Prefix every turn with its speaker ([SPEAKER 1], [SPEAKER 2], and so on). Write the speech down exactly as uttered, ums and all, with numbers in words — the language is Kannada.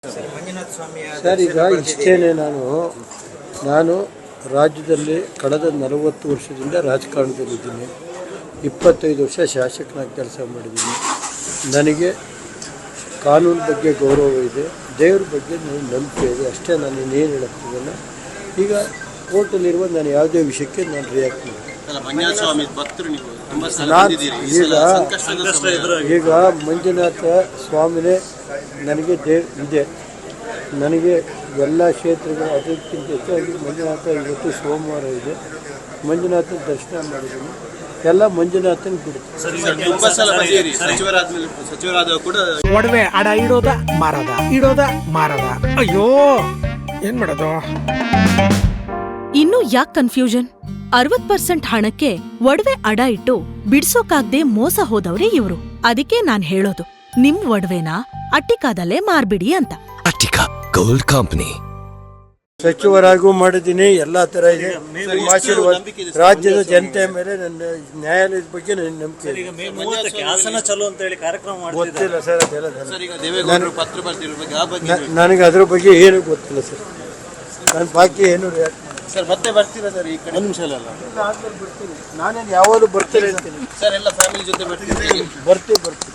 [SPEAKER 1] ಸರ್, ಈಗ ಇಷ್ಟೇನೆ ನಾನು ನಾನು ರಾಜ್ಯದಲ್ಲಿ ಕಳೆದ ನಲವತ್ತು ವರ್ಷದಿಂದ ರಾಜಕಾರಣದಲ್ಲಿದ್ದೀನಿ. ಇಪ್ಪತ್ತೈದು ವರ್ಷ ಶಾಸಕನಾಗಿ ಕೆಲಸ ಮಾಡಿದ್ದೀನಿ. ನನಗೆ ಕಾನೂನು ಬಗ್ಗೆ ಗೌರವ ಇದೆ, ದೇವ್ರ ಬಗ್ಗೆ ನನಗೆ ನಂಬಿಕೆ ಇದೆ. ಅಷ್ಟೇ. ನಾನು ಇನ್ನೇನು ಹೇಳಕ್ತಿದ್ದಲ್ಲ. ಈಗ ಕೋರ್ಟಲ್ಲಿರುವ ನಾನು ಯಾವುದೇ ವಿಷಯಕ್ಕೆ ನಾನು ರಿಯಾಕ್ಟ್ ಮಾಡಿ ನಾನು ಈಗ ಈಗ ಮಂಜುನಾಥ ಸ್ವಾಮಿನೇ ನನಗೆ ದೇವ್ ಇದೆ. ನನಗೆ ಎಲ್ಲ ಕ್ಷೇತ್ರಗಳು ಅದಕ್ಕಿಂತ ಹೆಚ್ಚಾಗಿ ಮಂಜುನಾಥ ಇವತ್ತು ಸೋಮವಾರ ಇದೆ. ಮಂಜುನಾಥನ ದರ್ಶನ ಮಾಡಿದ್ದೀನಿ. ಎಲ್ಲ ಮಂಜುನಾಥನ
[SPEAKER 2] ಒಡವೆ ಅಡ ಇಡೋದ ಮಾರದ ಇಡೋದ ಮಾರದ ಅಯ್ಯೋ ಏನ್ ಮಾಡೋದು.
[SPEAKER 3] ಇನ್ನು ಯಾಕೆ ಕನ್ಫ್ಯೂಷನ್? ಅರವತ್ ಪರ್ಸೆಂಟ್ ಹಣಕ್ಕೆ ಒಡವೆ ಅಡ ಇಟ್ಟು ಬಿಡ್ಸೋಕಾಗ್ದೆ ಮೋಸ ಹೋದವ್ರೆ ಇವ್ರು. ಅದಕ್ಕೆ ನಾನ್ ಹೇಳೋದು, ನಿಮ್ ಒಡವೆನ ಅಟ್ಟಿಕಾದಲ್ಲೇ ಮಾರ್ಬಿಡಿ ಅಂತ.
[SPEAKER 4] Attica gold company.
[SPEAKER 1] ಸಚಿವರಾಗೂ ಮಾಡಿದ್ದೀನಿ. ಎಲ್ಲ ತರ ಇದೆ. ಆಶೀರ್ವಾದ ರಾಜ್ಯದ ಜನತೆ ಮೇಲೆ ನನ್ನ ನ್ಯಾಯಾಲಯದ ಬಗ್ಗೆ ನನ್ನ ನಂಬಿಕೆ ಗೊತ್ತಿಲ್ಲ ಸರ್. ನನಗೆ ಅದ್ರ ಬಗ್ಗೆ ಏನು ಗೊತ್ತಿಲ್ಲ ಸರ್. ನನ್ನ ಬಾಕಿ ಏನು
[SPEAKER 5] ಸರ್ ಮತ್ತೆ ಬರ್ತೀರಾ ಸರ್? ಈ ಕಡೆ ನಿಮಿಷ ಅಲ್ಲ
[SPEAKER 1] ಬರ್ತೀನಿ. ನಾನೇನು ಯಾವಾಗಲೂ ಬರ್ತೀನಿ ಅಂತೀನಿ
[SPEAKER 5] ಸರ್. ಎಲ್ಲ ಫ್ಯಾಮಿಲಿ ಜೊತೆ ಬರ್ತೀನಿ
[SPEAKER 1] ಬರ್ತೀವಿ ಬರ್ತೀವಿ